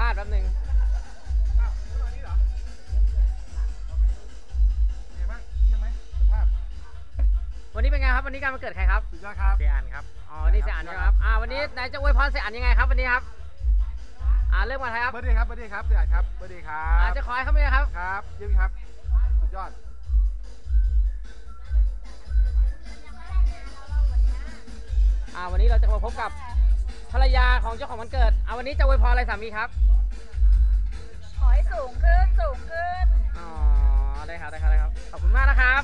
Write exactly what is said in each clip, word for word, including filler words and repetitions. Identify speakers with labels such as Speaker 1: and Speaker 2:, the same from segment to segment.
Speaker 1: าษณ์แป๊บนึงวันนี้เป็นไงครับวันนี้การมาเกิดใครครับ
Speaker 2: สุดยอดครับ
Speaker 1: เสียอันครับอ๋อนี่เสียอันนะครับอ่าวันนี้นายจะอวยพรเสียอันยังไงครับวันนี้ครับอ่าเริ่มกันครับ
Speaker 2: เบอร์ดี้ครับเบอร์ดี้ครับเสียอันครับเบอร์ดี้ครับ
Speaker 1: อ่าจะขอให้เขาเป็นไงครับ
Speaker 2: ครับเยี่ยมครับสุดยอด
Speaker 1: อ่าวันนี้เราจะมาพบกับภรรยาของเจ้าของวันเกิดอ่าวันนี้จะอวยพรอะไรสามีครับ
Speaker 3: ขอให้สูงขึ้นสูงขึ้น
Speaker 1: อ๋อได้ครับได้ครับได้ครับขอบคุณมากนะครับ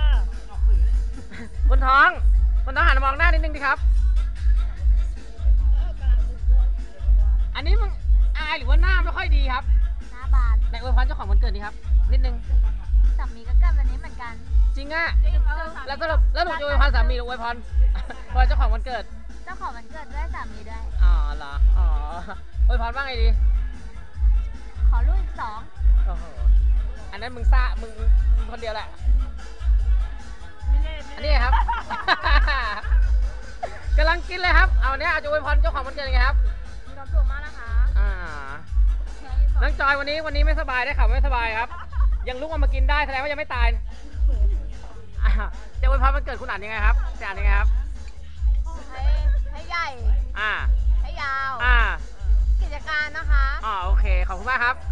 Speaker 1: คนท้องคนท้องหันมามองหน้านิดนึงดิครับอันนี้มึงอายหรือว่าหน้าไม่ค่อยดีครับ
Speaker 3: หน้าบาน
Speaker 1: ในอวยพรเจ้าของวันเกิดนี่ครับนิดนึง
Speaker 3: สามีก็เกิดวันนี้เหมือนกัน
Speaker 1: จริงอ่ะแล้วสรุปแล้วหนูจะอวยพรสามีหรืออวยพรพรเจ้าของวันเกิด
Speaker 3: เจ้าของวันเกิดด้วยสามีด้วย
Speaker 1: อ๋อเหรออ๋ออวยพรว่าไงดี
Speaker 3: ขอลูกอีกสอง
Speaker 1: โอ้โหอันนั้นมึงซ่ามึงมึงคนเดียวแหละอันนี้ครับกำลังกินเลยครับเอาเนี้ยอาจจะอวยพรเจ้าของวันเกิดยังไงครับ
Speaker 3: มีความสุขมากนะคะ
Speaker 1: อ่าน้องจอยวันนี้วันนี้ไม่สบายได้ข่าวไม่สบายครับยังลุกออกมากินได้แสดงว่ายังไม่ตายจะอวยพรวันเกิดคุณอ่านยังไงครับจะอ่านยังไงครับ
Speaker 3: ให้ให้ใหญ่
Speaker 1: อ่า
Speaker 3: ให้ยาว
Speaker 1: อ่า
Speaker 3: กิจการนะคะ
Speaker 1: อ๋อโอเคขอบคุณมากครับ